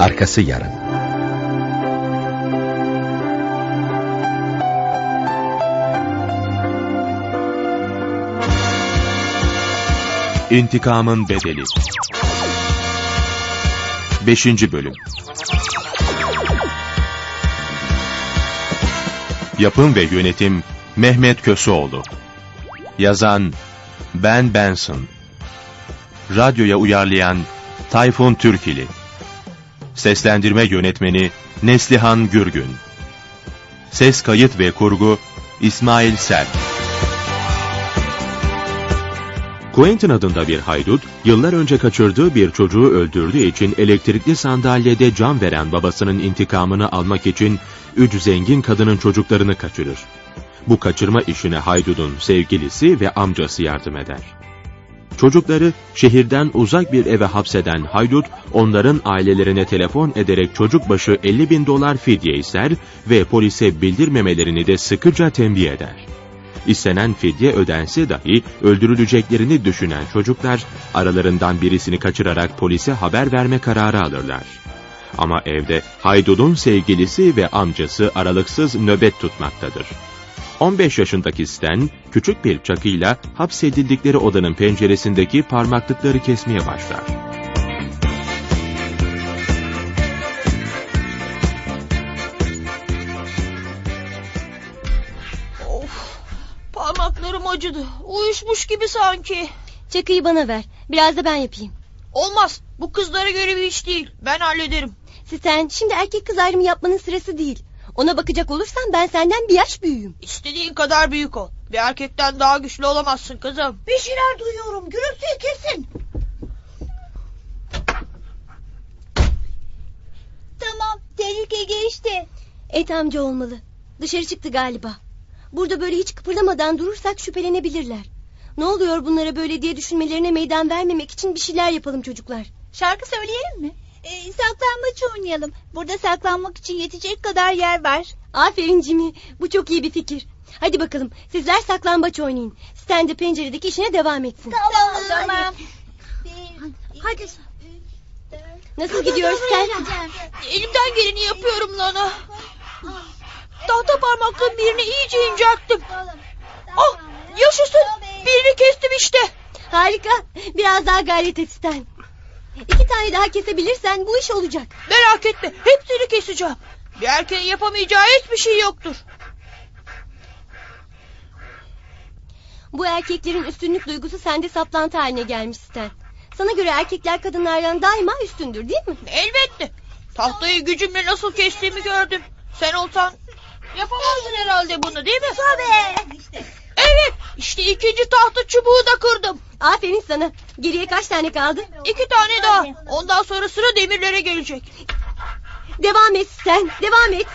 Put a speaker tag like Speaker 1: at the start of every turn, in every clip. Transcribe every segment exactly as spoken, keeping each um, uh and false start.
Speaker 1: Arkası yarın.
Speaker 2: İntikamın Bedeli beşinci Bölüm. Yapım ve Yönetim Mehmet Köseoğlu. Yazan Ben Benson. Radyoya uyarlayan Tayfun Türkili. Seslendirme Yönetmeni Neslihan Gürgün. Ses kayıt ve kurgu İsmail Serk. Quentin adında bir haydut, yıllar önce kaçırdığı bir çocuğu öldürdüğü için elektrikli sandalyede can veren babasının intikamını almak için üç zengin kadının çocuklarını kaçırır. Bu kaçırma işine haydudun sevgilisi ve amcası yardım eder. Çocukları şehirden uzak bir eve hapseden haydut, onların ailelerine telefon ederek çocuk başı elli bin dolar fidye ister ve polise bildirmemelerini de sıkıca tembih eder. İstenen fidye ödense dahi öldürüleceklerini düşünen çocuklar, aralarından birisini kaçırarak polise haber verme kararı alırlar. Ama evde haydudun sevgilisi ve amcası aralıksız nöbet tutmaktadır. on beş yaşındaki Stan, küçük bir çakıyla hapsedildikleri odanın penceresindeki parmaklıkları kesmeye başlar.
Speaker 3: Of, parmaklarım acıdı. Uyuşmuş gibi sanki.
Speaker 4: Çakıyı bana ver. Biraz da ben yapayım.
Speaker 3: Olmaz. Bu kızlara göre bir iş değil. Ben hallederim.
Speaker 4: Stan, şimdi erkek kız ayrımı yapmanın sırası değil. Ona bakacak olursan ben senden bir yaş büyüğüm.
Speaker 3: İstediğin kadar büyük ol. Bir erkekten daha güçlü olamazsın kızım. Bir şeyler duyuyorum. Gürültüyü kesin.
Speaker 5: Tamam, tehlike geçti.
Speaker 4: Et amca olmalı. Dışarı çıktı galiba. Burada böyle hiç kıpırdamadan durursak şüphelenebilirler. Ne oluyor bunlara böyle diye düşünmelerine meydan vermemek için bir şeyler yapalım çocuklar.
Speaker 5: Şarkı söyleyelim mi? Ee, saklambaç oynayalım. Burada saklanmak için yetecek kadar yer var.
Speaker 4: Aferin Jimmy. Bu çok iyi bir fikir. Hadi bakalım sizler saklambaç oynayın. Stan de penceredeki işine devam etsin.
Speaker 5: Tamam tamam.
Speaker 4: Hadi. Nasıl gidiyor Stan?
Speaker 3: Elimden geleni yapıyorum Lana. Tahta parmaklığın birini iyice incelttim. Oh, yaşasın. Birini kestim işte.
Speaker 4: Harika. Biraz daha gayret et Stan. İki tane daha kesebilirsen bu iş olacak.
Speaker 3: Merak etme. Hepsini keseceğim. Bir erkeğin yapamayacağı hiçbir şey yoktur.
Speaker 4: Bu erkeklerin üstünlük duygusu sende saplantı haline gelmiş Stan. Sana göre erkekler kadınlardan daima üstündür değil mi?
Speaker 3: Elbette. Tahtayı gücümle nasıl kestiğimi gördüm. Sen olsan yapamazdın herhalde bunu değil mi?
Speaker 5: Tabii.
Speaker 3: Evet. İşte ikinci tahta çubuğu da kırdım.
Speaker 4: Aferin sana. Geriye kaç tane kaldı?
Speaker 3: İki tane daha. Ondan sonra sıra demirlere gelecek.
Speaker 4: Devam et Stan. Devam et.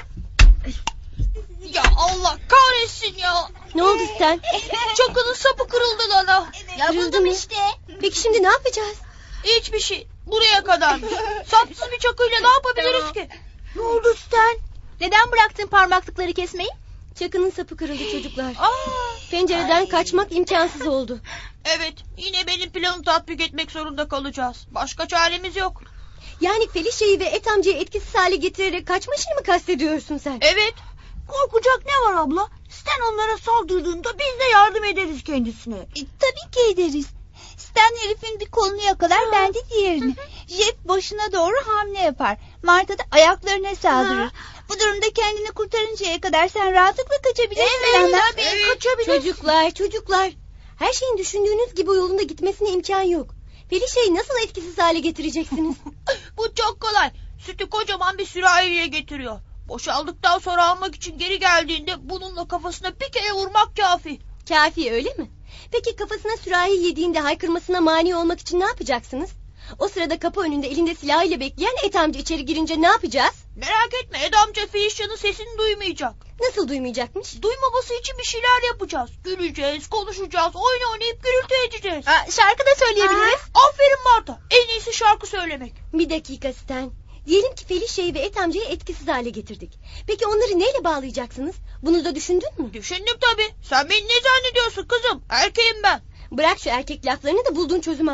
Speaker 3: Ya Allah kahretsin ya.
Speaker 4: Ne oldu Stan?
Speaker 3: Çakının sapı kırıldı Lana.
Speaker 4: Kırıldı mı?
Speaker 5: işte.
Speaker 4: Peki şimdi ne yapacağız?
Speaker 3: Hiçbir şey. Buraya kadarmış. Sapsız bir çakıyla ne yapabiliriz
Speaker 5: Tamam.
Speaker 3: ki?
Speaker 5: Ne oldu Stan? Neden bıraktın parmaklıkları kesmeyi?
Speaker 4: Çakının sapı kırıldı çocuklar.
Speaker 3: Aa,
Speaker 4: Pencereden kaçmak imkansız oldu.
Speaker 3: evet. Yine benim planımı tatbik etmek zorunda kalacağız. Başka çaremiz yok.
Speaker 4: Yani Felicia'yı ve Et amcayı etkisiz hale getirerek kaçma işini mi kastediyorsun sen?
Speaker 3: Evet.
Speaker 5: Korkacak ne var abla? Stan onlara saldırdığında biz de yardım ederiz kendisine. E, tabii ki ederiz. Stan herifin bir kolunu yakalar, ben de diğerini. Jeff başına doğru hamle yapar. Marta da ayaklarına saldırır. Bu durumda kendini kurtarıncaya kadar sen rahatlıkla kaçabilirsin.
Speaker 3: Evet,
Speaker 5: Lana.
Speaker 3: tabii, evet. kaçabilirsin.
Speaker 4: Çocuklar, çocuklar. Her şeyin düşündüğünüz gibi yolunda gitmesine imkan yok. Felicia'yı nasıl etkisiz hale getireceksiniz?
Speaker 3: Bu çok kolay. Sütü kocaman bir sürahiye getiriyor. Boşaldıktan sonra almak için geri geldiğinde bununla kafasına bir kere vurmak kafi.
Speaker 4: Kafi öyle mi? Peki kafasına sürahi yediğinde haykırmasına mani olmak için ne yapacaksınız? O sırada kapı önünde elinde silahıyla bekleyen Et amca içeri girince ne yapacağız?
Speaker 3: Merak etme, Ed amca Felicia'nın sesini duymayacak.
Speaker 4: Nasıl duymayacakmış?
Speaker 3: Duymaması için bir şeyler yapacağız. Güleceğiz, konuşacağız, oyun oynayıp gürültü edeceğiz.
Speaker 5: Aa, şarkı da söyleyebiliriz.
Speaker 3: Aferin Marta. En iyisi şarkı söylemek.
Speaker 4: Bir dakika Stan. Diyelim ki Felicia'yı ve Et amcayı etkisiz hale getirdik. Peki onları neyle bağlayacaksınız? Bunu da düşündün mü?
Speaker 3: Düşündüm tabii. Sen beni ne zannediyorsun kızım? Erkeğim ben.
Speaker 4: Bırak şu erkek laflarını da bulduğun çözümü anlat.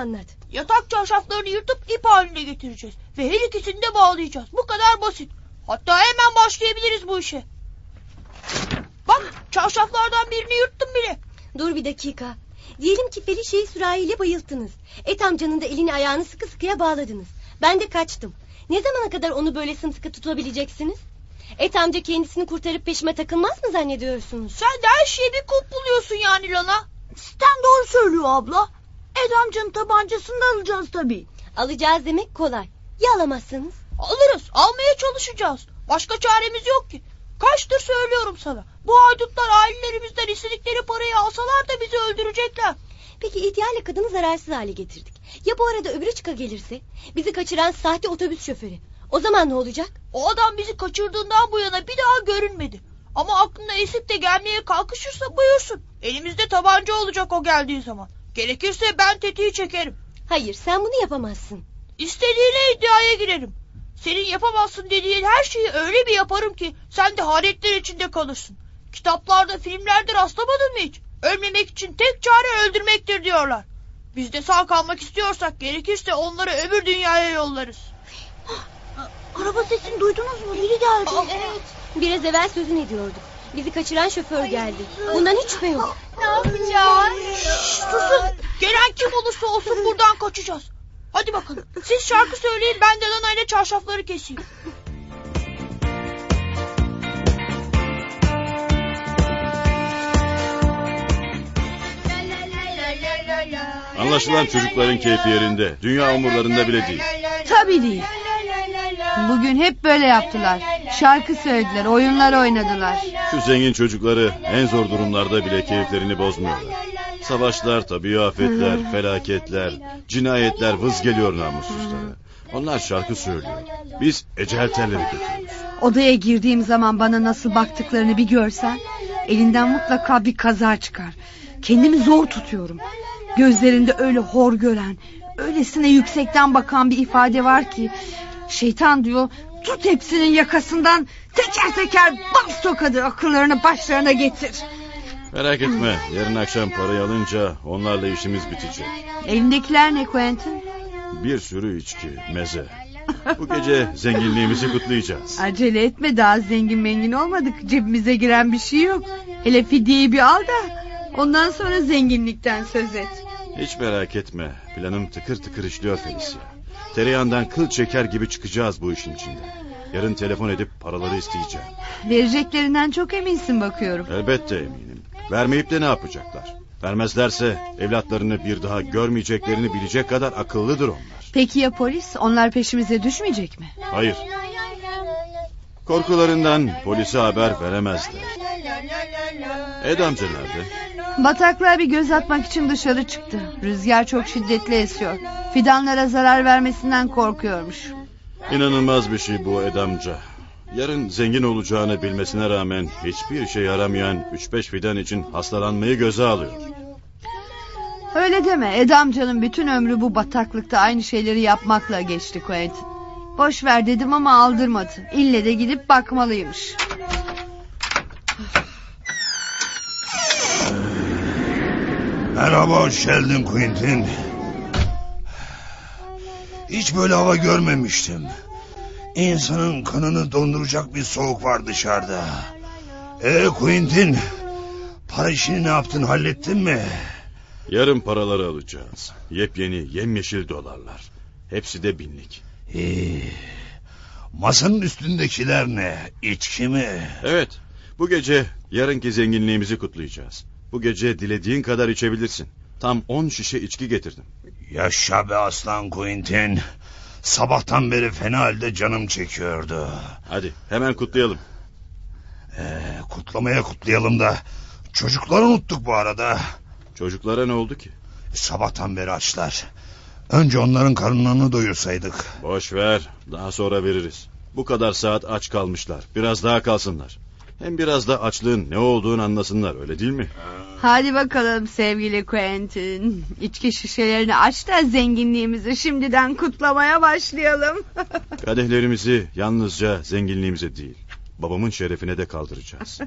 Speaker 3: Yatak çarşaflarını yırtıp ip haline getireceğiz. Ve her ikisini de bağlayacağız. Bu kadar basit. Hatta hemen başlayabiliriz bu işe. Bak, çarşaflardan birini yırttım bile.
Speaker 4: Dur bir dakika. Diyelim ki Felicia'yı sürahiyle bayılttınız. Et amcanın da elini ayağını sıkı sıkıya bağladınız. Ben de kaçtım. Ne zamana kadar onu böyle sımsıkı tutabileceksiniz? Et amca kendisini kurtarıp peşime takılmaz mı zannediyorsunuz?
Speaker 3: Sen de her şeye bir kulp buluyorsun yani Lana.
Speaker 5: Stan doğru söylüyor abla. Ed amcanın tabancasını da alacağız tabii.
Speaker 4: Alacağız demek kolay. Ya alamazsanız?
Speaker 3: Alırız, almaya çalışacağız. Başka çaremiz yok ki. Kaçtır söylüyorum sana. Bu haydutlar ailelerimizden istedikleri parayı alsalar da bizi öldürecekler.
Speaker 4: Peki ihtiyarla kadını zararsız hale getirdik. Ya bu arada öbürü çıka gelirse? Bizi kaçıran sahte otobüs şoförü. O zaman ne olacak?
Speaker 3: O adam bizi kaçırdığından bu yana bir daha görünmedi. Ama aklına esip de gelmeye kalkışırsa buyursun. Elimizde tabanca olacak o geldiği zaman. Gerekirse ben tetiği çekerim.
Speaker 4: Hayır, sen bunu yapamazsın.
Speaker 3: İstediğine iddiaya girerim. Senin yapamazsın dediğin her şeyi öyle bir yaparım ki sen de hayretler içinde kalırsın. Kitaplarda, filmlerde rastlamadın mı hiç? Ölmemek için tek çare öldürmektir diyorlar. Biz de sağ kalmak istiyorsak gerekirse onları öbür dünyaya yollarız.
Speaker 5: Araba sesini duydunuz mu? Biri geldi.
Speaker 3: Aa,
Speaker 4: Evet. Biraz evvel sözünü ediyorduk. Bizi kaçıran şoför geldi. Bundan hiç şüphe yok.
Speaker 5: Ne yapacağız?
Speaker 3: Şşş, susun. Gelen kim olursa olsun buradan kaçacağız. Hadi bakalım. Siz şarkı söyleyin, ben de Lana ile çarşafları keseyim.
Speaker 1: Anlaşılan çocukların keyfi yerinde. Dünya umurlarında bile değil.
Speaker 6: Tabii değil. Bugün hep böyle yaptılar. Şarkı söylediler, oyunlar oynadılar.
Speaker 1: Şu zengin çocukları en zor durumlarda bile keyiflerini bozmuyorlar. Savaşlar, tabii afetler, felaketler, cinayetler vız geliyor namussuzlara. Onlar şarkı söylüyor. Biz ecel telleri götürüyoruz.
Speaker 6: Odaya girdiğim zaman bana nasıl baktıklarını bir görsen, elinden mutlaka bir kaza çıkar. Kendimi zor tutuyorum. Gözlerinde öyle hor gören, öylesine yüksekten bakan bir ifade var ki, şeytan diyor, tut hepsinin yakasından, teker teker bas tokadı, akıllarını başlarına getir.
Speaker 1: Merak etme, yarın akşam parayı alınca onlarla işimiz bitecek.
Speaker 6: Elindekiler ne Quentin?
Speaker 1: Bir sürü içki, meze. Bu gece zenginliğimizi kutlayacağız.
Speaker 6: Acele etme, daha zengin mengin olmadık. Cebimize giren bir şey yok. Hele fidyeyi bir al da ondan sonra zenginlikten söz et.
Speaker 1: Hiç merak etme, planım tıkır tıkır işliyor Felicia. Tereyağından kıl çeker gibi çıkacağız bu işin içinde. Yarın telefon edip paraları isteyeceğim.
Speaker 6: Vereceklerinden çok eminsin bakıyorum.
Speaker 1: Elbette eminim. Vermeyip de ne yapacaklar? Vermezlerse evlatlarını bir daha görmeyeceklerini bilecek kadar akıllıdır onlar.
Speaker 6: Peki ya polis? Onlar peşimize düşmeyecek mi?
Speaker 1: Hayır. Korkularından polise haber veremezler. Ed amca nerede?
Speaker 6: Bataklığa bir göz atmak için dışarı çıktı. Rüzgar çok şiddetli esiyor. Fidanlara zarar vermesinden korkuyormuş.
Speaker 1: İnanılmaz bir şey bu Ed amca. Yarın zengin olacağını bilmesine rağmen hiçbir işe yaramayan üç beş fidan için hastalanmayı göze alıyor.
Speaker 6: Öyle deme. Ed amcanın bütün ömrü bu bataklıkta aynı şeyleri yapmakla geçti Quentin. Boş ver dedim ama aldırmadı. İlle de gidip bakmalıymış.
Speaker 7: Merhaba, hoş geldin Quentin. Hiç böyle hava görmemiştim. İnsanın kanını donduracak bir soğuk var dışarıda. Ee Quentin, para işini ne yaptın, hallettin mi?
Speaker 1: Yarın paraları alacağız. Yepyeni yemyeşil dolarlar. Hepsi de binlik.
Speaker 7: İyi. Masanın üstündekiler ne? İçki mi?
Speaker 1: Evet, bu gece yarınki zenginliğimizi kutlayacağız. Bu gece dilediğin kadar içebilirsin. Tam on şişe içki getirdim.
Speaker 7: Yaşa be aslan Quentin. Sabahtan beri fena halde canım çekiyordu.
Speaker 1: Hadi hemen kutlayalım.
Speaker 7: Ee, kutlamaya kutlayalım da çocukları unuttuk bu arada.
Speaker 1: Çocuklara ne oldu ki?
Speaker 7: Sabahtan beri açlar. Önce onların karınlarını doyursaydık.
Speaker 1: Boş ver, daha sonra veririz. Bu kadar saat aç kalmışlar. Biraz daha kalsınlar. Hem biraz da açlığın ne olduğunu anlasınlar, öyle değil mi?
Speaker 6: Hadi bakalım sevgili Quentin. İçki şişelerini aç da zenginliğimizi şimdiden kutlamaya başlayalım.
Speaker 1: Kadehlerimizi yalnızca zenginliğimize değil, babamın şerefine de kaldıracağız.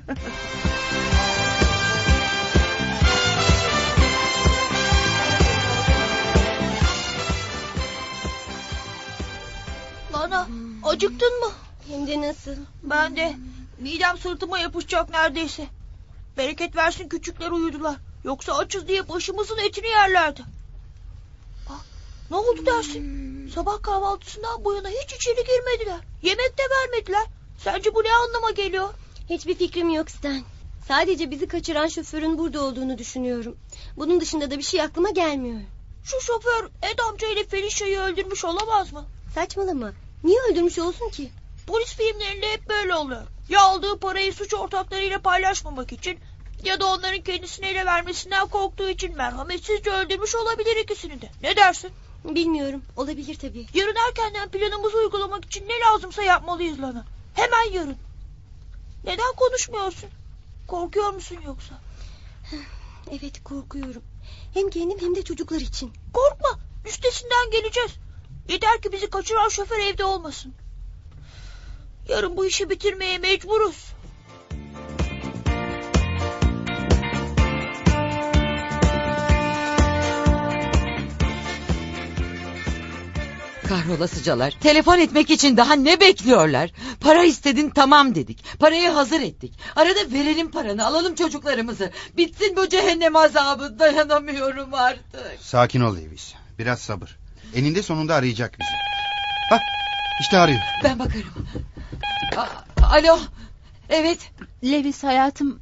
Speaker 3: Acıktın mı?
Speaker 4: Hem de nasıl?
Speaker 3: Ben de. Midem sırtıma yapışacak neredeyse. Bereket versin küçükler uyudular. Yoksa açız diye başımızın etini yerlerdi. Aa, ne oldu dersin? Sabah kahvaltısından bu yana hiç içeri girmediler. Yemek de vermediler. Sence bu ne anlama geliyor?
Speaker 4: Hiçbir fikrim yok Stan. Sadece bizi kaçıran şoförün burada olduğunu düşünüyorum. Bunun dışında da bir şey aklıma gelmiyor.
Speaker 3: Şu şoför Ed amca ile Felicia'yı öldürmüş olamaz mı?
Speaker 4: Saçmalama. Niye öldürmüş olsun ki?
Speaker 3: Polis filmlerinde hep böyle oluyor. Ya aldığı parayı suç ortaklarıyla paylaşmamak için ya da onların kendisine ele vermesinden korktuğu için merhametsizce öldürmüş olabilir ikisini de. Ne dersin?
Speaker 4: Bilmiyorum. Olabilir tabii.
Speaker 3: Yarın erkenden planımızı uygulamak için ne lazımsa yapmalıyız Lana. Hemen yarın. Neden konuşmuyorsun? Korkuyor musun yoksa?
Speaker 4: Evet, korkuyorum. Hem kendim hem de çocuklar için.
Speaker 3: Korkma. Üstesinden geleceğiz. Yeter ki bizi kaçıran şoför evde olmasın. Yarın bu işi bitirmeye mecburuz.
Speaker 8: Kahrolasıcalar. Telefon etmek için daha ne bekliyorlar? Para istedin, tamam dedik. Parayı hazır ettik. Arada verelim paranı, alalım çocuklarımızı. Bitsin bu cehennem azabı, dayanamıyorum artık.
Speaker 9: Sakin ol Lewis. Biraz sabır. Eninde sonunda arayacak bizi. Hah, işte arıyor.
Speaker 8: Ben bakarım. A- Alo. Evet.
Speaker 5: Lewis hayatım,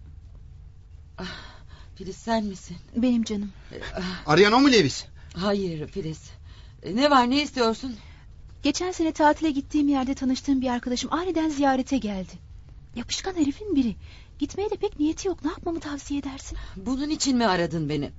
Speaker 8: Filiz, sen misin?
Speaker 5: benim canım.
Speaker 9: Arayan o mu Lewis?
Speaker 8: Hayır Filiz. Ne var, ne istiyorsun?
Speaker 5: Geçen sene tatile gittiğim yerde tanıştığım bir arkadaşım aniden ziyarete geldi. Yapışkan herifin biri. Gitmeye de pek niyeti yok. Ne yapmamı tavsiye edersin?
Speaker 8: Bunun için mi aradın beni?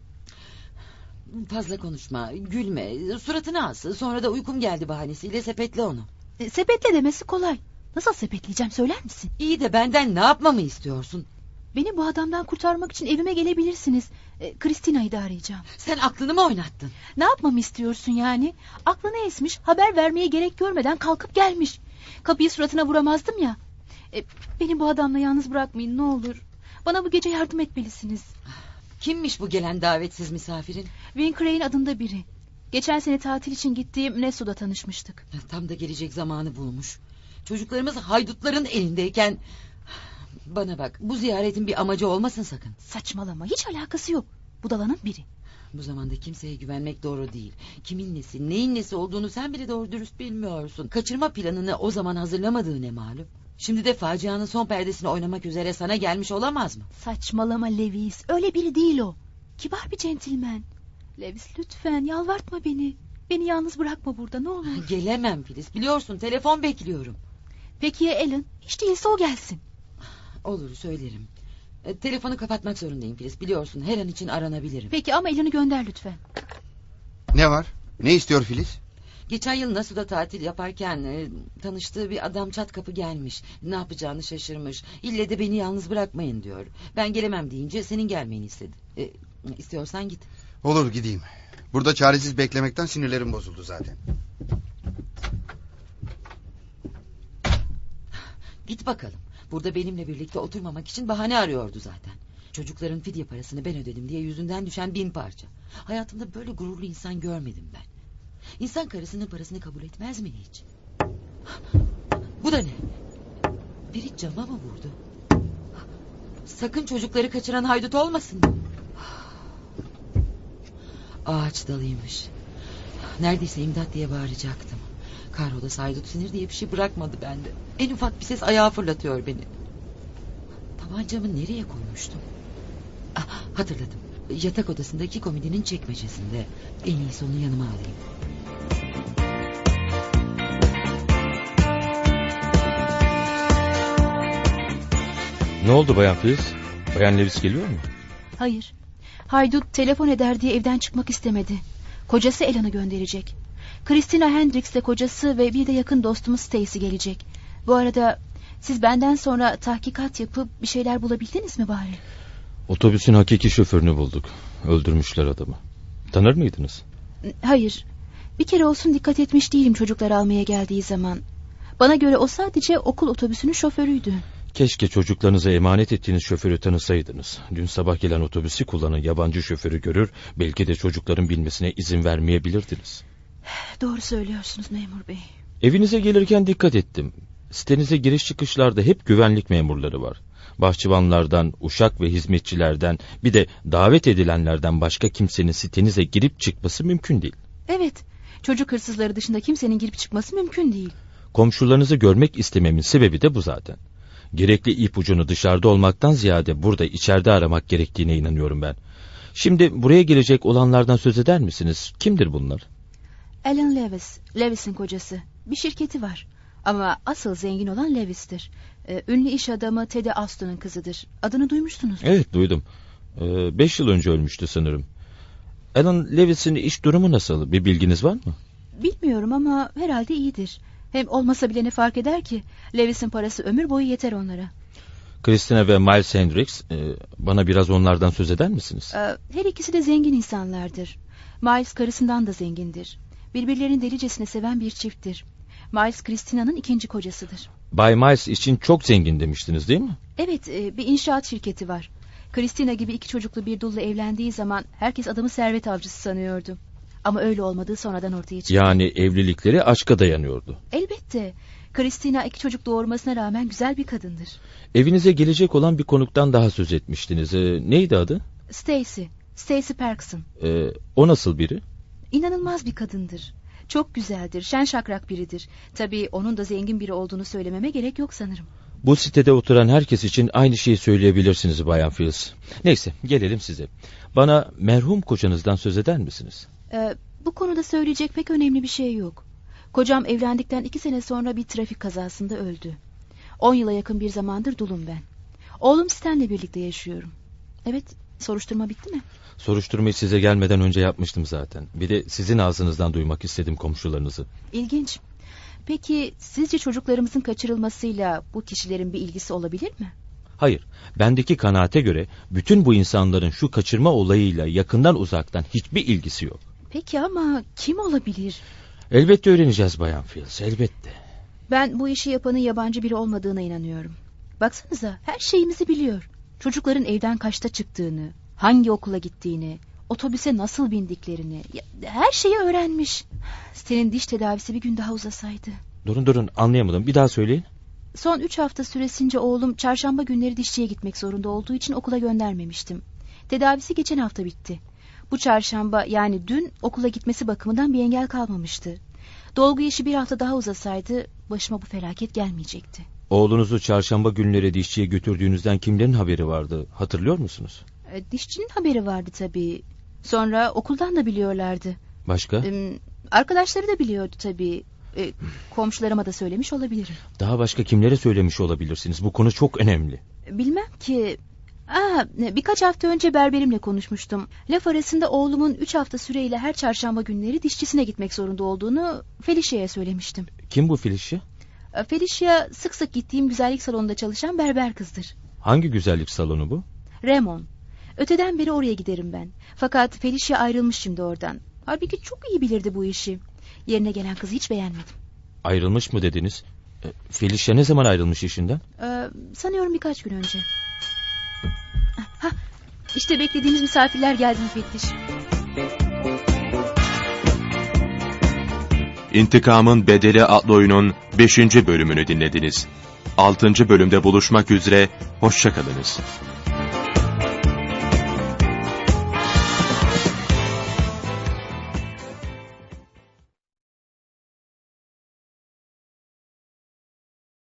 Speaker 8: Fazla konuşma, gülme, suratını as. Sonra da uykum geldi bahanesiyle sepetle onu.
Speaker 5: E, sepetle demesi kolay. Nasıl sepetleyeceğim, söyler misin?
Speaker 8: İyi de benden ne yapmamı istiyorsun?
Speaker 5: Beni bu adamdan kurtarmak için evime gelebilirsiniz. E, Christina'yı da arayacağım.
Speaker 8: Sen aklını mı oynattın?
Speaker 5: Ne yapmamı istiyorsun yani? Aklını esmiş, haber vermeye gerek görmeden kalkıp gelmiş. Kapıyı suratına vuramazdım ya. E, beni bu adamla yalnız bırakmayın ne olur. Bana bu gece yardım etmelisiniz.
Speaker 8: Kimmiş bu gelen davetsiz misafirin?
Speaker 5: Wayne Crane adında biri. Geçen sene tatil için gittiğim Nesso'da tanışmıştık.
Speaker 8: Tam da gelecek zamanı bulmuş. Çocuklarımız haydutların elindeyken... Bana bak, bu ziyaretin bir amacı olmasın sakın.
Speaker 5: Saçmalama, hiç alakası yok. Budalanın biri.
Speaker 8: Bu zamanda kimseye güvenmek doğru değil. Kimin nesi, neyin nesi olduğunu sen bile doğru dürüst bilmiyorsun. Kaçırma planını o zaman hazırlamadığı ne malum. Şimdi de facianın son perdesini oynamak üzere sana gelmiş olamaz mı?
Speaker 5: Saçmalama Lewis, öyle biri değil o. Kibar bir centilmen. Lewis lütfen yalvartma beni. Beni yalnız bırakma burada, ne olur.
Speaker 8: Gelemem Filiz, biliyorsun telefon bekliyorum.
Speaker 5: Peki ya Alan? Hiç değilse o gelsin.
Speaker 8: Olur, söylerim. E, telefonu kapatmak zorundayım Filiz, biliyorsun her an için aranabilirim.
Speaker 5: Peki ama Alan'ı gönder lütfen.
Speaker 9: Ne var? Ne istiyor Filiz?
Speaker 8: Geçen yıl Nasu'da tatil yaparken e, tanıştığı bir adam çat kapı gelmiş. Ne yapacağını şaşırmış. İlle de beni yalnız bırakmayın diyor. Ben gelemem deyince senin gelmeni istedi. E, istiyorsan git.
Speaker 9: Olur, gideyim. Burada çaresiz beklemekten sinirlerim bozuldu zaten.
Speaker 8: Git bakalım. Burada benimle birlikte oturmamak için bahane arıyordu zaten. Çocukların fidye parasını ben ödedim diye yüzünden düşen bin parça. Hayatımda böyle gururlu insan görmedim ben. İnsan karısının parasını kabul etmez mi hiç? Bu da ne? Biri cama mı vurdu? Sakın çocukları kaçıran haydut olmasın. Ağaç dalıymış. Neredeyse imdat diye bağıracaktım. Kahrolası haydut sinir diye bir şey bırakmadı bende. En ufak bir ses ayağa fırlatıyor beni. Tabancamı nereye koymuştum? Ah, hatırladım. Yatak odasındaki komodinin çekmecesinde. En iyisi onu yanıma alayım.
Speaker 10: Ne oldu Bayan Filiz? Bayan Lewis geliyor mu?
Speaker 5: Hayır. Haydut telefon eder diye evden çıkmak istemedi. Kocası Alan'ı gönderecek. Christina Hendricks'le kocası ve bir de yakın dostumuz Stacy gelecek. Bu arada siz benden sonra tahkikat yapıp bir şeyler bulabildiniz mi bari?
Speaker 10: Otobüsün hakiki şoförünü bulduk. Öldürmüşler adamı. Tanır mıydınız?
Speaker 5: Hayır. Bir kere olsun dikkat etmiş değilim çocuklar almaya geldiği zaman. Bana göre o sadece okul otobüsünün şoförüydü.
Speaker 10: Keşke çocuklarınıza emanet ettiğiniz şoförü tanısaydınız. Dün sabah gelen otobüsü kullanan yabancı şoförü görür, belki de çocukların bilmesine izin vermeyebilirdiniz.
Speaker 5: Doğru söylüyorsunuz memur bey.
Speaker 10: Evinize gelirken dikkat ettim. Sitenize giriş çıkışlarda hep güvenlik memurları var. Bahçıvanlardan, uşak ve hizmetçilerden, bir de davet edilenlerden başka kimsenin sitenize girip çıkması mümkün değil.
Speaker 11: Evet, çocuk hırsızları dışında kimsenin girip çıkması mümkün değil.
Speaker 10: Komşularınızı görmek istememin sebebi de bu zaten. Gerekli ipucunu dışarıda olmaktan ziyade burada içeride aramak gerektiğine inanıyorum ben. Şimdi buraya gelecek olanlardan söz eder misiniz? Kimdir bunlar?
Speaker 11: Alan Lewis, Lewis'in kocası. Bir şirketi var. Ama asıl zengin olan Lewis'tir. Ee, ünlü iş adamı Teddy Aston'un kızıdır. Adını duymuştunuz mu?
Speaker 10: Evet, duydum. Ee, beş yıl önce ölmüştü sanırım. Alan Lewis'in iş durumu nasıl? Bir bilginiz var mı?
Speaker 11: Bilmiyorum ama herhalde iyidir. Hem olmasa bile ne fark eder ki? Lewis'in parası ömür boyu yeter onlara.
Speaker 10: Christina ve Miles Hendricks, e, bana biraz onlardan söz eder misiniz?
Speaker 11: Ee, her ikisi de zengin insanlardır. Miles karısından da zengindir. Birbirlerini delicesine seven bir çifttir. Miles Christina'nın ikinci kocasıdır.
Speaker 10: Bay Miles için çok zengin demiştiniz değil mi?
Speaker 11: Evet, e, bir inşaat şirketi var. Christina gibi iki çocuklu bir dulla evlendiği zaman herkes adamı servet avcısı sanıyordu. Ama öyle olmadığı sonradan ortaya çıktı. Yani
Speaker 10: evlilikleri aşka dayanıyordu.
Speaker 11: Elbette. Christina iki çocuk doğurmasına rağmen güzel bir kadındır.
Speaker 10: Evinize gelecek olan bir konuktan daha söz etmiştiniz. Ee, neydi adı?
Speaker 11: Stacy. Stacy Parkson.
Speaker 10: Ee, o nasıl biri?
Speaker 11: İnanılmaz bir kadındır. Çok güzeldir, şen şakrak biridir. Tabii onun da zengin biri olduğunu söylememe gerek yok sanırım.
Speaker 10: Bu sitede oturan herkes için aynı şeyi söyleyebilirsiniz Bayan Fields. Neyse, gelelim size. Bana merhum kocanızdan söz eder misiniz?
Speaker 11: Ee, bu konuda söyleyecek pek önemli bir şey yok. Kocam evlendikten iki sene sonra bir trafik kazasında öldü. On yıla yakın bir zamandır dulum ben. Oğlum Stan'le birlikte yaşıyorum. Evet, soruşturma bitti mi?
Speaker 10: Soruşturmayı size gelmeden önce yapmıştım zaten. Bir de sizin ağzınızdan duymak istedim komşularınızı.
Speaker 11: İlginç. Peki sizce çocuklarımızın kaçırılmasıyla bu kişilerin bir ilgisi olabilir mi?
Speaker 10: Hayır, bendeki kanaate göre bütün bu insanların şu kaçırma olayıyla yakından uzaktan hiçbir ilgisi yok.
Speaker 11: Peki ama kim olabilir?
Speaker 10: Elbette öğreneceğiz Bayan Fields, elbette.
Speaker 11: Ben bu işi yapanın yabancı biri olmadığına inanıyorum. Baksanıza, her şeyimizi biliyor. Çocukların evden kaçta çıktığını, hangi okula gittiğini, otobüse nasıl bindiklerini, her şeyi öğrenmiş. Senin diş tedavisi bir gün daha uzasaydı.
Speaker 10: Durun durun, anlayamadım, bir daha söyleyin.
Speaker 11: Son üç hafta süresince oğlum çarşamba günleri dişçiye gitmek zorunda olduğu için okula göndermemiştim. Tedavisi geçen hafta bitti. Bu çarşamba, yani dün, okula gitmesi bakımından bir engel kalmamıştı. Dolgu işi bir hafta daha uzasaydı başıma bu felaket gelmeyecekti.
Speaker 10: Oğlunuzu çarşamba günleri dişçiye götürdüğünüzden kimlerin haberi vardı, hatırlıyor musunuz?
Speaker 11: E, dişçinin haberi vardı tabii. Sonra okuldan da biliyorlardı.
Speaker 10: Başka?
Speaker 11: E, arkadaşları da biliyordu tabii. E, komşularıma da söylemiş olabilirim.
Speaker 10: Daha başka kimlere söylemiş olabilirsiniz? Bu konu çok önemli.
Speaker 11: Bilmem ki. Aa, birkaç hafta önce berberimle konuşmuştum. Laf arasında oğlumun üç hafta süreyle her çarşamba günleri dişçisine gitmek zorunda olduğunu Felicia'ya söylemiştim.
Speaker 10: Kim bu Felicia?
Speaker 11: Felicia sık sık gittiğim güzellik salonunda çalışan berber kızdır.
Speaker 10: Hangi güzellik salonu bu?
Speaker 11: Ramon. Öteden beri oraya giderim ben. Fakat Felicia ayrılmış şimdi oradan. Halbuki çok iyi bilirdi bu işi. Yerine gelen kızı hiç beğenmedim.
Speaker 10: Ayrılmış mı dediniz? Felicia ne zaman ayrılmış işinden?
Speaker 11: Ee, sanıyorum birkaç gün önce. Hah, işte beklediğimiz misafirler geldi müfettiş.
Speaker 2: İntikamın Bedeli adlı oyunun beşinci bölümünü dinlediniz. altıncı bölümde buluşmak üzere, hoşça kalınız.